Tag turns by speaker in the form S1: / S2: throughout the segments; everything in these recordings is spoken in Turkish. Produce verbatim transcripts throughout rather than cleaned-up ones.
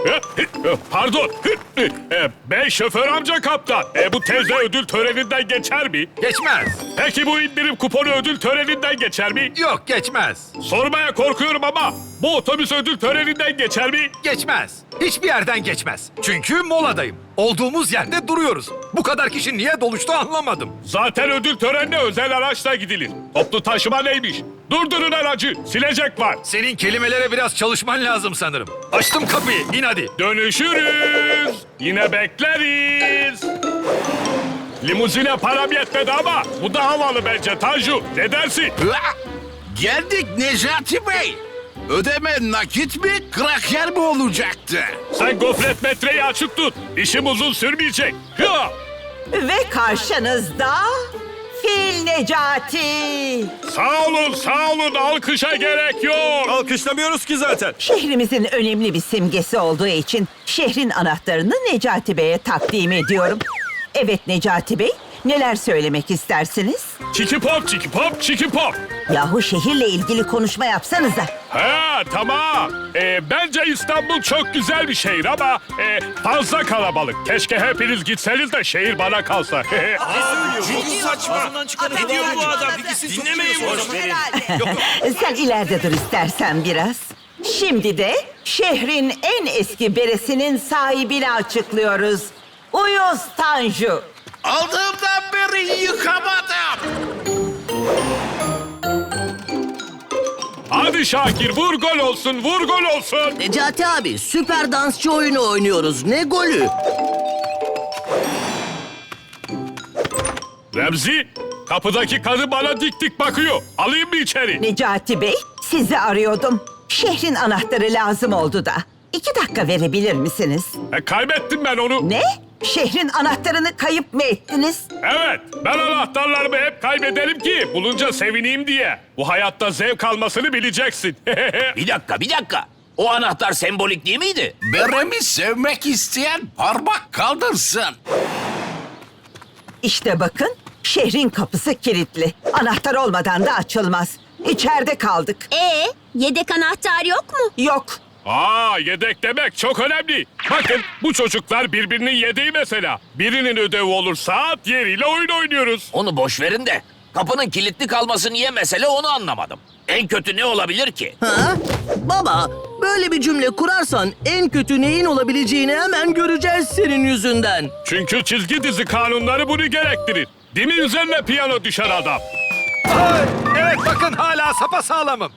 S1: Pardon. E, Ben şoför amca kaptan. E, bu teyze ödül töreninden geçer mi?
S2: Geçmez.
S1: Peki bu indirim kuponu ödül töreninden geçer mi?
S2: Yok, geçmez.
S1: Sormaya korkuyorum ama bu otobüs ödül töreninden geçer mi?
S2: Geçmez. Hiçbir yerden geçmez. Çünkü moladayım. Olduğumuz yerde duruyoruz. Bu kadar kişi niye doluştu anlamadım.
S1: Zaten ödül törenine özel araçla gidilir. Toplu taşıma neymiş? Durdurun aracı. Silecek var.
S2: Senin kelimelere biraz çalışman lazım sanırım. Açtım kapıyı. İn hadi.
S1: Dönüşürüz. Yine bekleriz. Limuzine param yetmedi ama bu da havalı bence Tanju. Ne dersin?
S3: Geldik Necati Bey. Ödeme nakit mi, kraker mi olacaktı?
S1: Sen gofret metreyi açık tut. İşim uzun sürmeyecek. Hıa!
S4: Ve karşınızda Fil Necati.
S1: Sağ olun, sağ olun. Alkışa gerek yok.
S5: Alkışlamıyoruz ki zaten.
S4: Şehrimizin önemli bir simgesi olduğu için şehrin anahtarını Necati Bey'e takdim ediyorum. Evet Necati Bey, neler söylemek istersiniz?
S1: Çiki pop, çiki pop, çiki pop.
S4: Yahu şehirle ilgili konuşma yapsanıza.
S1: Ha tamam. Ee, bence İstanbul çok güzel bir şehir ama e, fazla kalabalık. Keşke hepiniz gitseniz de şehir bana kalsa.
S5: Çok saçma. Ne diyor bu adam? Dinlemeyin boş verin.
S4: Sen ileride dur istersen biraz. Şimdi de şehrin en eski beresinin sahibini açıklıyoruz. Uyuz Tanju.
S3: Aldığımdan beri yıkamadım.
S1: Hadi Şakir vur gol olsun, vur gol olsun.
S6: Necati abi, süper dansçı oyunu oynuyoruz. Ne golü?
S1: Remzi, kapıdaki kadın bana dik dik bakıyor. Alayım mı içeri?
S4: Necati Bey, sizi arıyordum. Şehrin anahtarı lazım oldu da. İki dakika verebilir misiniz?
S1: E, kaybettim ben onu.
S4: Ne? Şehrin anahtarını kayıp mı ettiniz?
S1: Evet, ben anahtarlarımı hep kaybederim ki bulunca sevineyim diye. Bu hayatta zevk almasını bileceksin.
S7: Bir dakika, bir dakika. O anahtar sembolik değil miydi?
S3: Beremi sevmek isteyen parmak kaldırsın.
S4: İşte bakın, şehrin kapısı kilitli. Anahtar olmadan da açılmaz. İçeride kaldık.
S8: Ee, yedek anahtar yok mu?
S4: Yok.
S1: Aa, yedek demek çok önemli. Bakın bu çocuklar birbirinin yedeği mesela. Birinin ödevi olursa diğeriyle oyun oynuyoruz.
S7: Onu boş verin de kapının kilitli kalması niye mesele onu anlamadım. En kötü ne olabilir ki?
S6: Ha? Baba, böyle bir cümle kurarsan en kötü neyin olabileceğini hemen göreceğiz senin yüzünden.
S1: Çünkü çizgi dizi kanunları bunu gerektirir. Değil mi üzerine piyano düşer adam?
S2: Ay, evet bakın hala sapasağlamım.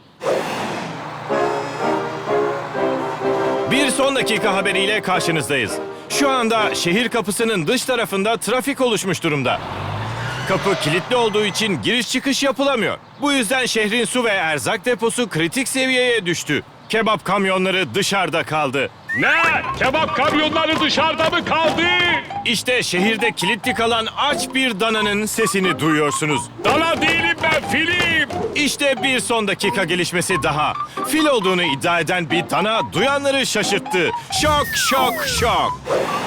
S5: Bir son dakika haberiyle karşınızdayız. Şu anda şehir kapısının dış tarafında trafik oluşmuş durumda. Kapı kilitli olduğu için giriş çıkış yapılamıyor. Bu yüzden şehrin su ve erzak deposu kritik seviyeye düştü. Kebap kamyonları dışarıda kaldı.
S1: Ne? Kebap kamyonları dışarıda mı kaldı?
S5: İşte şehirde kilitli kalan aç bir dananın sesini duyuyorsunuz.
S1: Dana değilim ben, filim.
S5: İşte bir son dakika gelişmesi daha. Fil olduğunu iddia eden bir dana duyanları şaşırttı. Şok, şok, şok.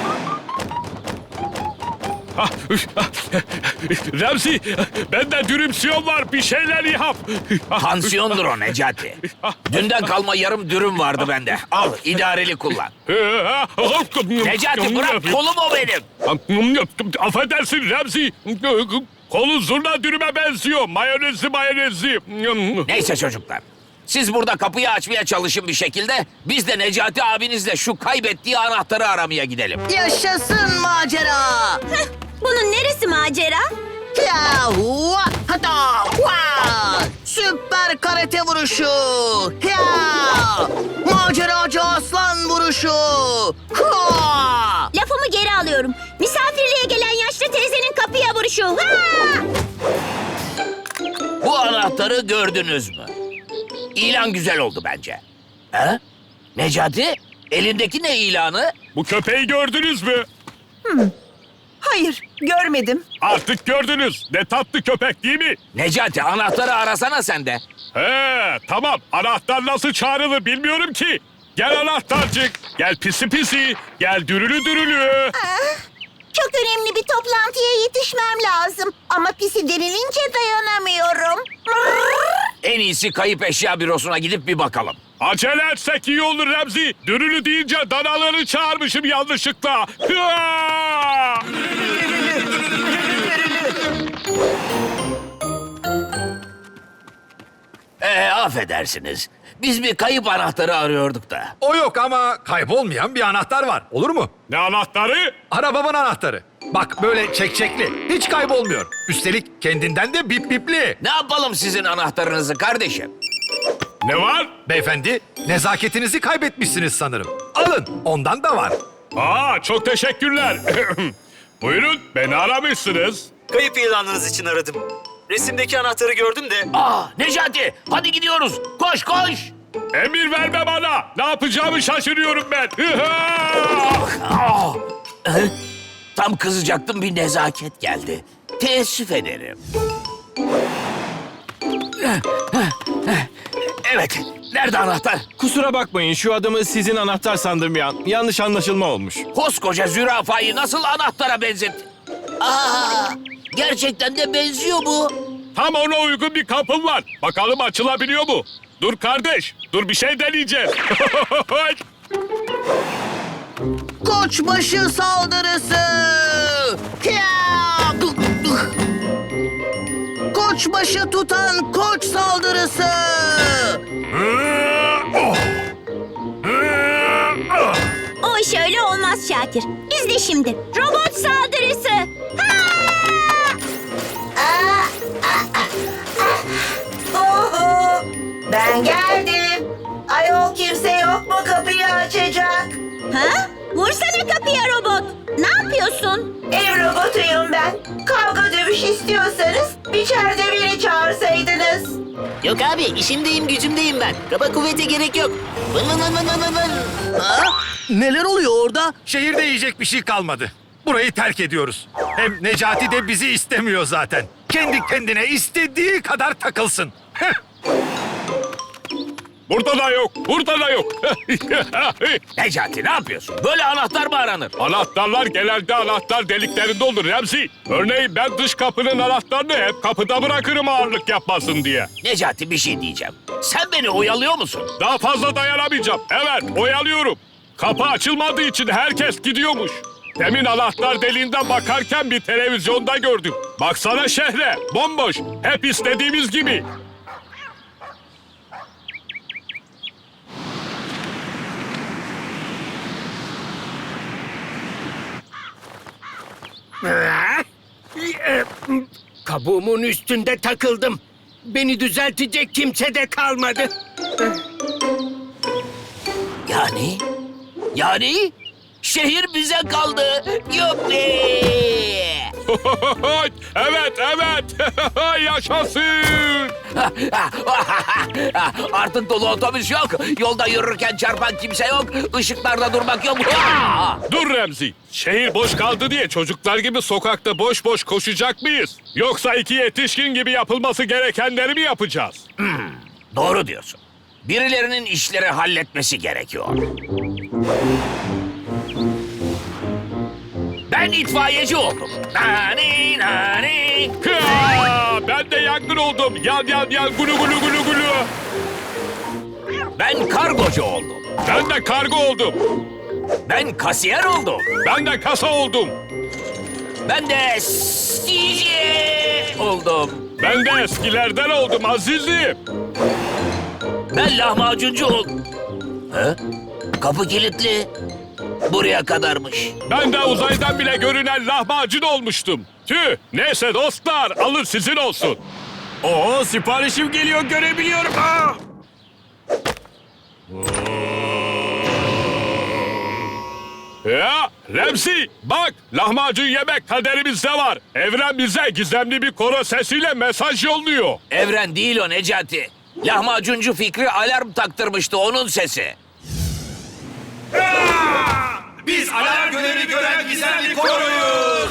S1: Ah, üf, ah, Remzi, bende dürümsiyon var. Bir şeyler yap. Ah,
S7: Tansiyondur o Necati. Dünden kalma yarım dürüm vardı bende. Al, idareli kullan. Necati bırak, kolum o benim.
S1: Affedersin Remzi. Kolu zurna dürüme benziyor. Mayonezli mayonezli.
S7: Neyse çocuklar. Siz burada kapıyı açmaya çalışın bir şekilde. Biz de Necati abinizle şu kaybettiği anahtarı aramaya gidelim.
S6: Yaşasın macera!
S8: Heh, bunun neresi macera?
S6: Ya, hua, hata, hua! Süper karate vuruşu! Ya! Maceracı aslan vuruşu! Hua!
S8: Lafımı geri alıyorum. Misafirliğe gelen yaşlı teyzenin kapıya vuruşu. Ha!
S7: Bu anahtarı gördünüz mü? İlan güzel oldu bence. He? Necati, elindeki ne ilanı?
S1: Bu köpeği gördünüz mü?
S4: Hayır, görmedim.
S1: Artık gördünüz. Ne tatlı köpek değil mi?
S7: Necati, anahtarı arasana sen de.
S1: He, tamam. Anahtar nasıl çağrılır bilmiyorum ki. Gel anahtarcık. Gel pisi pisi. Gel dürülü dürülü.
S8: Çok önemli bir toplantıya yetişmem lazım. Ama pisi denilince dayanamıyorum.
S7: En iyisi kayıp eşya bürosuna gidip bir bakalım.
S1: Acele etsek iyi olur Remzi. Dürülü deyince danaları çağırmışım yanlışlıkla. Hıa!
S7: Ee, affedersiniz. Biz bir kayıp anahtarı arıyorduk da.
S2: O yok ama kaybolmayan bir anahtar var. Olur mu?
S1: Ne anahtarı?
S2: Arabamın anahtarı. Bak böyle çekçekli. Hiç kaybolmuyor. Üstelik kendinden de bip bipli.
S7: Ne yapalım sizin anahtarınızı kardeşim?
S1: Ne var?
S2: Beyefendi, nezaketinizi kaybetmişsiniz sanırım. Alın, ondan da var.
S1: Aa, çok teşekkürler. Buyurun, beni aramışsınız.
S9: Kayıp ilanınız için aradım. Resimdeki anahtarı gördüm de
S7: Aa, Necati, hadi gidiyoruz. Koş koş.
S1: Emir verme bana. Ne yapacağımı şaşırıyorum ben.
S7: Aa, e, tam kızacaktım, bir nezaket geldi. Teessüf ederim. Evet, nerede anahtar?
S5: Kusura bakmayın şu adamı sizin anahtar sandım ya. Yanlış anlaşılma olmuş.
S7: Koskoca zürafayı nasıl anahtara benzettin? Aa, gerçekten de benziyor bu.
S1: Tam ona uygun bir kapım var. Bakalım açılabiliyor mu? Dur kardeş, dur bir şey deneyeceğiz.
S6: Koçbaşı saldırısı! Kıya! Koçbaşı tutan koç saldırısı!
S8: O iş öyle olmaz Şakir. İzle şimdi. Robot saldırısı. Ha!
S4: Oho! Ben geldim. Ayol kimse yok mu kapıyı açacak?
S8: Ha? Vursana kapıya robot. Ne yapıyorsun?
S4: Ev robotuyum ben. Kavga dövüş istiyorsanız içeride beni çağırsaydınız.
S6: Yok abi, işimdeyim, gücümdeyim ben. Kaba kuvvete gerek yok. Vın vın vın vın vın vın. Ha? Neler oluyor orada?
S2: Şehirde yiyecek bir şey kalmadı. Burayı terk ediyoruz. Hem Necati de bizi istemiyor zaten. Kendi kendine istediği kadar takılsın. Heh.
S1: Burada da yok, burada da yok.
S7: Necati, ne yapıyorsun? Böyle anahtar mı aranır?
S1: Anahtarlar genelde anahtar deliklerinde olur Remzi. Örneğin ben dış kapının anahtarını hep kapıda bırakırım ağırlık yapmasın diye.
S7: Necati, bir şey diyeceğim. Sen beni oyalıyor musun?
S1: Daha fazla dayanamayacağım. Evet, oyalıyorum. Kapı açılmadığı için herkes gidiyormuş. Demin anahtar deliğinden bakarken bir televizyonda gördüm. Baksana şehre, bomboş. Hep istediğimiz gibi.
S10: Kabuğumun üstünde takıldım. Beni düzeltecek kimse de kalmadı.
S7: Yani? Yani? Şehir bize kaldı. Yuppi!
S1: Evet, evet. Yaşasın.
S7: Artık dolu otobüs yok. Yolda yürürken çarpan kimse yok. Işıklarda durmak yok.
S1: Dur Remzi. Şehir boş kaldı diye çocuklar gibi sokakta boş boş koşacak mıyız? Yoksa iki yetişkin gibi yapılması gerekenleri mi yapacağız?
S7: Doğru diyorsun. Birilerinin işleri halletmesi gerekiyor. Ben itfaiyeci oldum. Nani nani.
S1: Hıa! Ben de yangın oldum. Yan yan yan gulu gulu gulu gulu.
S7: Ben kargocu oldum.
S1: Ben de kargo oldum.
S7: Ben kasiyer oldum.
S1: Ben de kasa oldum.
S7: Ben de C J oldum.
S1: Ben de eskilerden oldum azizim.
S7: Ben lahmacuncu oldum. He? Kapı kilitli. Buraya kadarmış.
S1: Ben de uzaydan bile görünen lahmacun olmuştum. Tüh, neyse dostlar, alın sizin olsun.
S5: Oo siparişim geliyor görebiliyorum. Aa!
S1: Ya Remzi, bak lahmacun yemek kaderimizde var. Evren bize gizemli bir koro sesiyle mesaj yolluyor.
S7: Evren değil o Necati. Lahmacuncu Fikri alarm taktırmıştı, onun sesi.
S2: Biz alarm görevi gören gizemli koroyuz.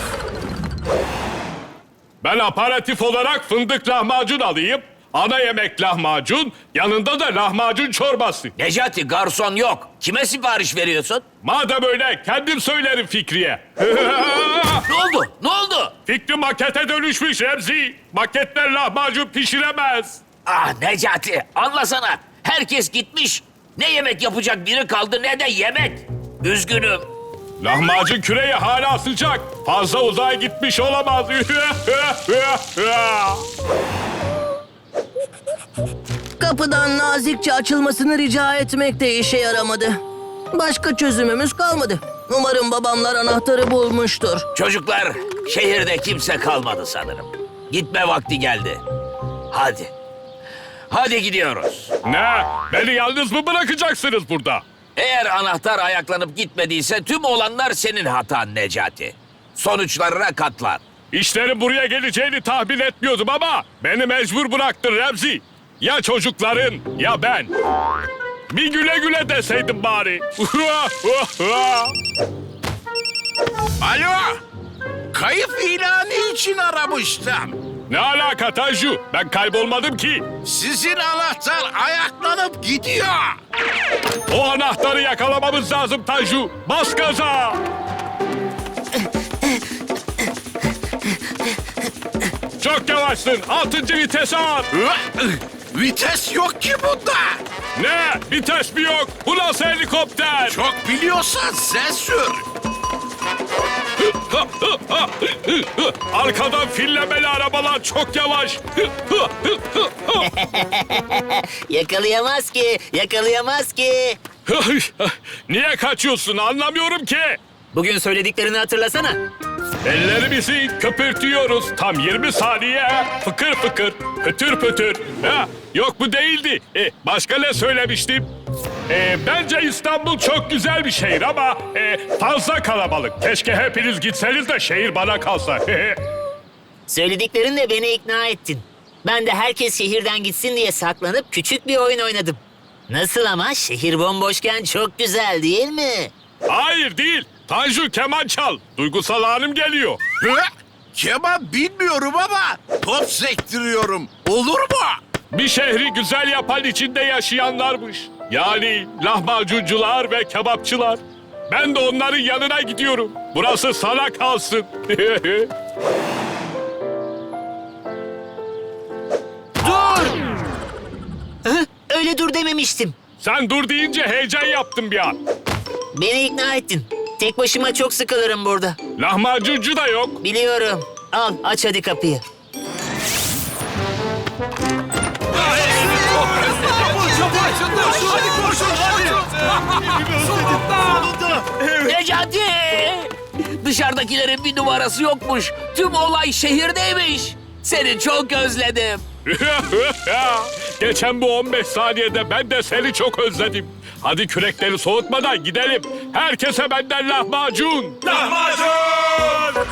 S1: Ben aparatif olarak fındık lahmacun alayım. Ana yemek lahmacun, yanında da lahmacun çorbası.
S7: Necati, garson yok. Kime sipariş veriyorsun?
S1: Madem öyle kendim söylerim Fikri'ye.
S7: Ne oldu? Ne oldu?
S1: Fikri makete dönüşmüş Remzi. Maketler lahmacun pişiremez.
S7: Ah Necati, anlasana. Herkes gitmiş. Ne yemek yapacak biri kaldı ne de yemek. Üzgünüm.
S1: Lahmacun küreği hala sıcak. Fazla uzağa gitmiş olamaz.
S6: Kapıdan nazikçe açılmasını rica etmek de işe yaramadı. Başka çözümümüz kalmadı. Umarım babamlar anahtarı bulmuştur.
S7: Çocuklar, şehirde kimse kalmadı sanırım. Gitme vakti geldi. Hadi. Hadi gidiyoruz.
S1: Ne? Beni yalnız mı bırakacaksınız burada?
S7: Eğer anahtar ayaklanıp gitmediyse tüm olanlar senin hatan Necati. Sonuçlarına katlan.
S1: İşlerin buraya geleceğini tahmin etmiyordum ama beni mecbur bıraktın Remzi. Ya çocukların ya ben. Bir güle güle deseydim bari.
S3: Alo. Kayıp ilanı için aramıştım.
S1: Ne alaka Tanju? Ben kaybolmadım ki.
S3: Sizin anahtar ayaklanıp gidiyor.
S1: O anahtarı yakalamamız lazım Tanju. Bas gaza. Çok yavaşsın. Altıncı vitese at.
S3: Vites yok ki bunda.
S1: Ne? Vites mi yok? Bu nasıl helikopter?
S3: Çok biliyorsan sen sür.
S1: Arkadan fillemeli arabalar çok yavaş.
S6: Yakalayamaz ki, yakalayamaz ki.
S1: Niye kaçıyorsun anlamıyorum ki.
S6: Bugün söylediklerini hatırlasana.
S1: Ellerimizi köpürtüyoruz tam yirmi saniye. Fıkır fıkır, pötür pötür. Ha, yok bu değildi. E, başka ne söylemiştim? E, bence İstanbul çok güzel bir şehir ama e, fazla kalabalık. Keşke hepiniz gitseniz de şehir bana kalsa.
S6: Söylediklerinle beni ikna ettin. Ben de herkes şehirden gitsin diye saklanıp küçük bir oyun oynadım. Nasıl ama? Şehir bomboşken çok güzel değil mi?
S1: Hayır değil. Tanju keman çal. Duygusal anım geliyor.
S3: Hı? Keman bilmiyorum ama top sektiriyorum. Olur mu?
S1: Bir şehri güzel yapan içinde yaşayanlarmış. Yani lahmacuncular ve kebapçılar. Ben de onların yanına gidiyorum. Burası sana kalsın.
S6: Dur! Hı? Öyle dur dememiştim.
S1: Sen dur deyince heyecan yaptım bir an.
S6: Beni ikna ettin. Tek başıma çok sıkılırım burada.
S1: Lahmacuncu da yok.
S6: Biliyorum. Al, aç hadi kapıyı.
S7: Necati! Dışarıdakilerin bir numarası yokmuş. Tüm olay şehirdeymiş. Seni çok özledim.
S1: Geçen bu on beş saniyede ben de seni çok özledim. Hadi kürekleri soğutmadan gidelim. Herkese benden lahmacun. Lahmacun!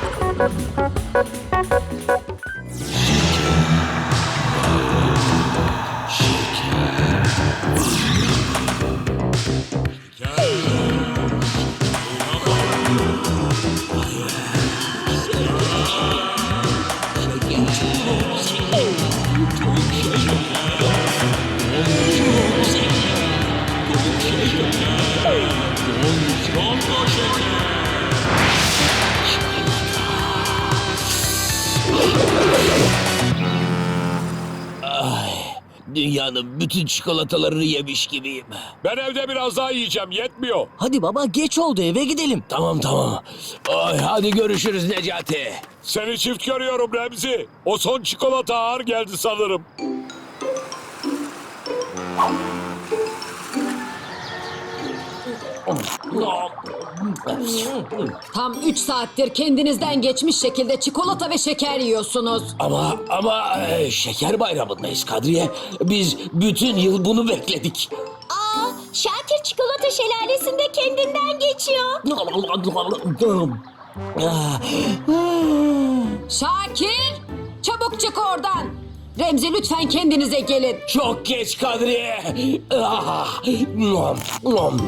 S7: Dünyanın bütün çikolatalarını yemiş gibiyim.
S1: Ben evde biraz daha yiyeceğim, yetmiyor.
S6: Hadi baba, geç oldu, eve gidelim.
S7: Tamam tamam. Ay, hadi görüşürüz Necati.
S1: Seni çift görüyorum Remzi. O son çikolata ağır geldi sanırım.
S11: Tam üç saattir kendinizden geçmiş şekilde çikolata ve şeker yiyorsunuz.
S7: Ama ama e, şeker bayramındayız Kadriye. Biz bütün yıl bunu bekledik.
S8: Aa, Şakir çikolata şelalesinde kendinden geçiyor.
S11: Şakir! Çabuk çık oradan. Remzi, lütfen kendinize gelin.
S7: Çok geç Kadriye. Ah, nom, nom.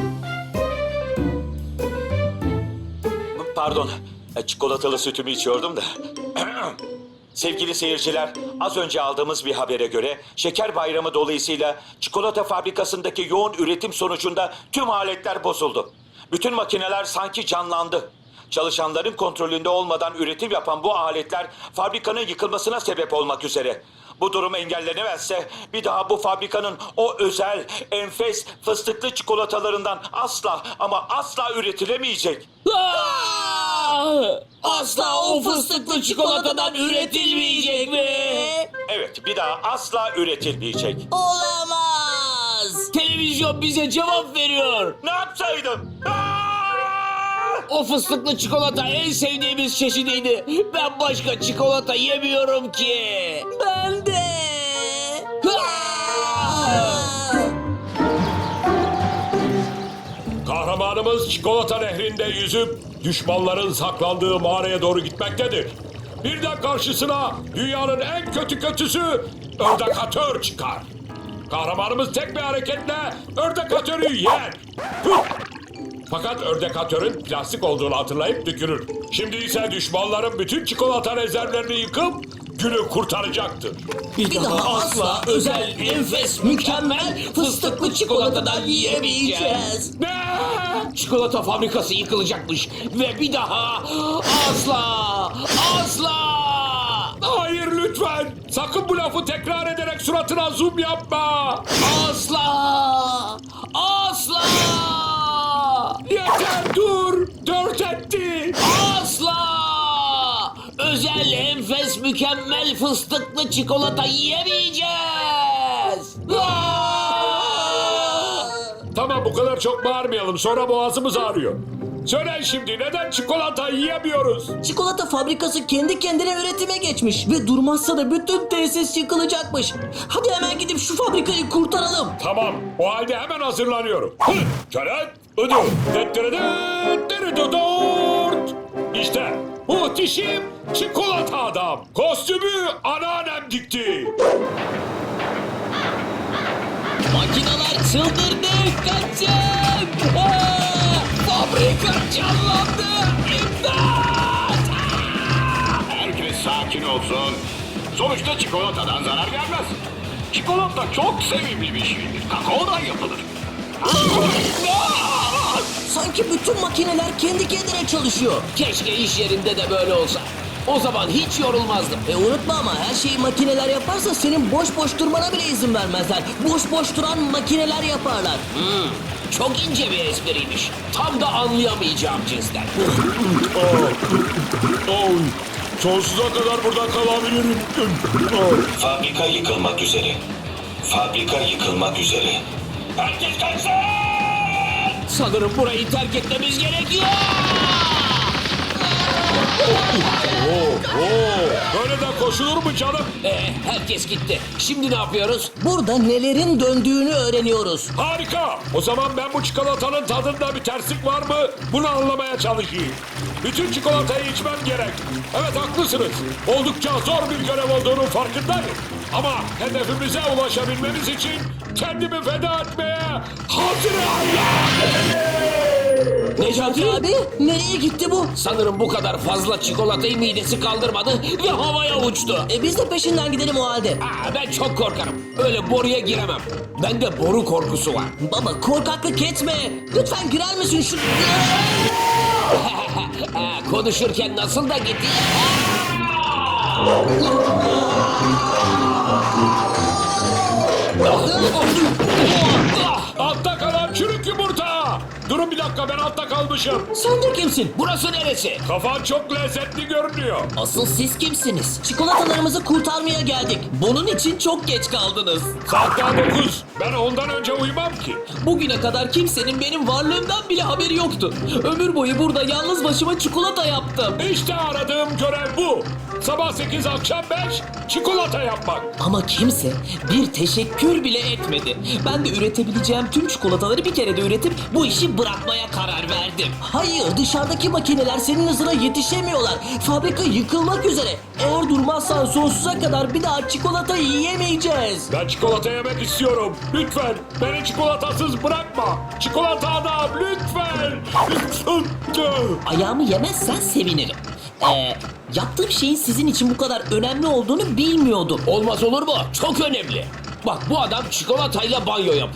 S12: Pardon, çikolatalı sütümü içiyordum da. Sevgili seyirciler, az önce aldığımız bir habere göre Şeker Bayramı dolayısıyla çikolata fabrikasındaki yoğun üretim sonucunda tüm aletler bozuldu. Bütün makineler sanki canlandı. Çalışanların kontrolünde olmadan üretim yapan bu aletler fabrikanın yıkılmasına sebep olmak üzere. Bu durum engellenemezse bir daha bu fabrikanın o özel, enfes fıstıklı çikolatalarından asla ama asla üretilemeyecek.
S7: Asla o fıstıklı çikolatadan üretilmeyecek mi?
S12: Evet, bir daha asla üretilmeyecek.
S6: Olamaz.
S7: Televizyon bize cevap veriyor.
S12: Ne yapsaydım? Aa!
S7: O fıstıklı çikolata en sevdiğimiz çeşidiydi. Ben başka çikolata yemiyorum ki.
S6: Ben de.
S1: Kahramanımız çikolata nehrinde yüzüp düşmanların saklandığı mağaraya doğru gitmektedir. Birden karşısına dünyanın en kötü kötüsü ördekatör çıkar. Kahramanımız tek bir hareketle ördekatörü yer. Hıh! Fakat ördekatörün plastik olduğunu hatırlayıp tükürür. Şimdi ise düşmanların bütün çikolata rezervlerini yıkıp günü kurtaracaktır.
S7: Bir daha asla özel, enfes, mükemmel fıstıklı çikolatadan yiyemeyeceğiz.
S1: Ne?
S7: Çikolata fabrikası yıkılacakmış ve bir daha asla, asla.
S1: Hayır lütfen. Sakın bu lafı tekrar ederek suratına zoom yapma.
S7: Asla! Asla!
S1: Yeter dur. Dört etti.
S7: Asla! Özel, enfes, mükemmel fıstıklı çikolata yiyemeyeceğiz!
S1: Tamam bu kadar çok bağırmayalım. Sonra boğazımız ağrıyor. Söyle şimdi neden çikolata yiyemiyoruz?
S6: Çikolata fabrikası kendi kendine üretime geçmiş ve durmazsa da bütün tesis yıkılacakmış. Hadi hemen gidip şu fabrikayı kurtaralım.
S1: Tamam o halde hemen hazırlanıyorum. Hı, Çörek, ödü, dettirede, deridodort. İşte muhteşem çikolata adam. Kostümü anneannem dikti.
S7: Makineler çıldırdı! Kaçın! Aa! Fabrika canlandı! İmdat!
S1: Herkes sakin olsun. Sonuçta çikolatadan zarar gelmez. Çikolata çok sevimli bir şeydir. Kakaodan yapılır.
S6: Sanki bütün makineler kendi kendine çalışıyor.
S7: Keşke iş yerinde de böyle olsa. O zaman hiç yorulmazdım.
S6: E unutma ama her şeyi makineler yaparsa senin boş boş durmana bile izin vermezler. Boş boş duran makineler yaparlar.
S7: Hmm, çok ince bir espriymiş. Tam da anlayamayacağım cinsten.
S1: Oy, sonsuza kadar burada kalabilirim.
S12: Fabrika yıkılmak üzere. Fabrika yıkılmak üzere. Herkes kaçsın!
S7: Sanırım burayı terk etmemiz gerekiyor.
S1: Böyle de koşulur mu canım?
S7: Ee, herkes gitti. Şimdi ne yapıyoruz?
S6: Burada nelerin döndüğünü öğreniyoruz.
S1: Harika. O zaman ben bu çikolatanın tadında bir terslik var mı? Bunu anlamaya çalışayım. Bütün çikolatayı içmem gerek. Evet haklısınız. Oldukça zor bir görev olduğunu farkındayım. Ama hedefimize ulaşabilmemiz için kendimi feda etmeye hazırım.
S7: Necati
S6: Abi nereye gitti bu?
S7: sanırım bu kadar fazla çikolatayı midesi kaldırmadı ve havaya uçtu.
S6: E biz de peşinden gidelim o halde.
S7: Aa, ben çok korkarım. Öyle boruya giremem. Bende boru korkusu var.
S6: Baba korkaklık etme. Lütfen girer misin şu...
S7: Aa, konuşurken nasıl da gitti.
S1: Altta kalan çürük yumurta. Durun bir dakika ben altta kalmışım.
S6: Sen de kimsin?
S7: Burası neresi?
S1: Kafan çok lezzetli görünüyor.
S6: Asıl siz kimsiniz? Çikolatalarımızı kurtarmaya geldik. Bunun için çok geç kaldınız.
S1: Saat daha dokuz. Ben ondan önce uyumam ki.
S6: Bugüne kadar kimsenin benim varlığımdan bile haberi yoktu. Ömür boyu burada yalnız başıma çikolata yaptım.
S1: İşte aradığım görev bu. Sabah sekiz akşam beş çikolata yapmak.
S6: Ama kimse bir teşekkür bile etmedi. Ben de üretebileceğim tüm çikolataları bir kere de üretip bu işi bırakmaya karar verdim. Hayır, dışarıdaki makineler senin hızına yetişemiyorlar. Fabrika yıkılmak üzere. Eğer durmazsan sonsuza kadar bir daha çikolata yiyemeyeceğiz.
S1: Ben çikolata yemek istiyorum. Lütfen beni çikolatasız bırakma. Çikolata adam lütfen.
S6: Ayağımı yemezsen sevinirim. Ee, yaptığım şeyin sizin için bu kadar önemli olduğunu bilmiyordum.
S7: Olmaz olur mu? Çok önemli. Bak bu adam çikolatayla banyo yapıyor.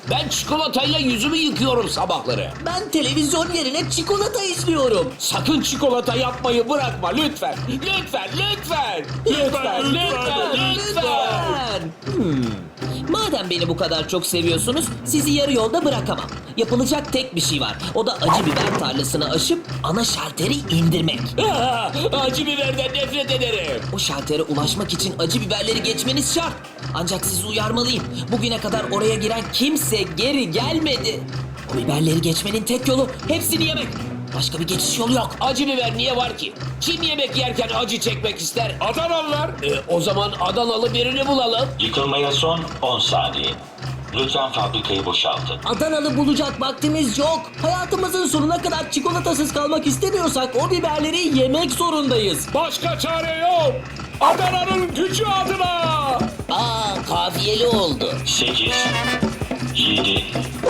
S7: Ben çikolatayla yüzümü yıkıyorum sabahları.
S6: Ben televizyon yerine çikolata izliyorum.
S7: Sakın çikolata yapmayı bırakma lütfen. Lütfen, lütfen. Lütfen, lütfen, lütfen.
S6: Hmm. Madem beni bu kadar çok seviyorsunuz, sizi yarı yolda bırakamam. Yapılacak tek bir şey var. O da acı biber tarlasını aşıp ana şalteri indirmek.
S7: Ah, acı biberden nefret ederim.
S6: O şaltere ulaşmak için acı biberleri geçmeniz şart. Ancak sizi uyarmalıyım. Bugüne kadar oraya giren kimse geri gelmedi. O biberleri geçmenin tek yolu hepsini yemek. Başka bir geçiş yolu yok.
S7: Acı biber niye var ki? Kim yemek yerken acı çekmek ister?
S1: Adanalılar.
S7: E, o zaman Adanalı birini bulalım.
S12: Yıkılmaya son on saniye. Lütfen fabrikayı boşaltın.
S6: Adanalı bulacak vaktimiz yok. Hayatımızın sonuna kadar çikolatasız kalmak istemiyorsak o biberleri yemek zorundayız.
S1: Başka çare yok. Adana'nın gücü adına.
S6: Aa, kafiyeli oldu.
S12: sekiz, yedi,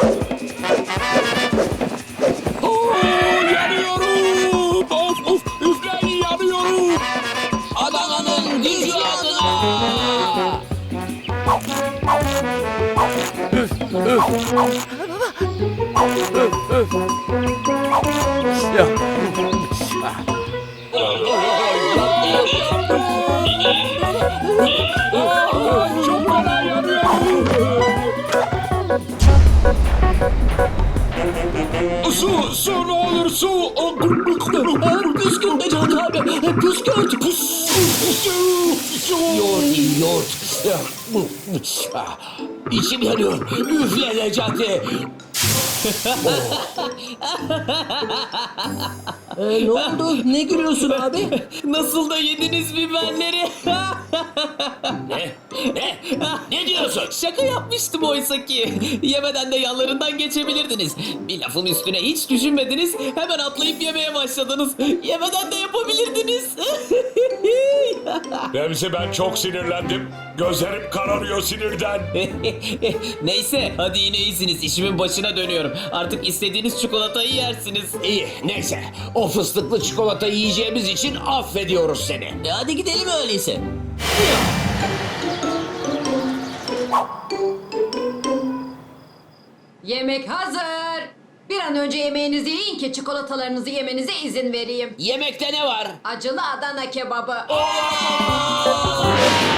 S1: Oo, yanıyorum. Of of üfleyin yanıyorum.
S7: Adana'nın gücü adına.
S1: Çok fena yanıyorum. Su, su ne olur su.
S6: Püskürt Necati abi. Püskürt. Püs.
S7: Yoğurt yiyin, yoğurt. Ah, İçim yanıyor. Üfle Necati.
S6: Ee, ne oldu? Ne gülüyorsun abi?
S7: Nasıl da yediniz biberleri? Ne? Ne? Ne diyorsun?
S6: Şaka yapmıştım oysa ki. Yemeden de yanlarından geçebilirdiniz. Bir lafın üstüne hiç düşünmediniz. Hemen atlayıp yemeye başladınız. Yemeden de yapabilirdiniz.
S1: Remzi ben çok sinirlendim. Gözlerim kararıyor sinirden.
S6: Neyse hadi yine iyisiniz. İşimin başına dönüyorum. Artık istediğiniz çikolatayı yersiniz.
S7: İyi, neyse. O fıstıklı çikolata yiyeceğimiz için affediyoruz seni.
S6: E hadi gidelim öyleyse.
S11: Yemek hazır. Bir an önce yemeğinizi yiyin ki çikolatalarınızı yemenize izin vereyim.
S7: Yemekte ne var?
S11: Acılı Adana kebabı.
S7: Aa!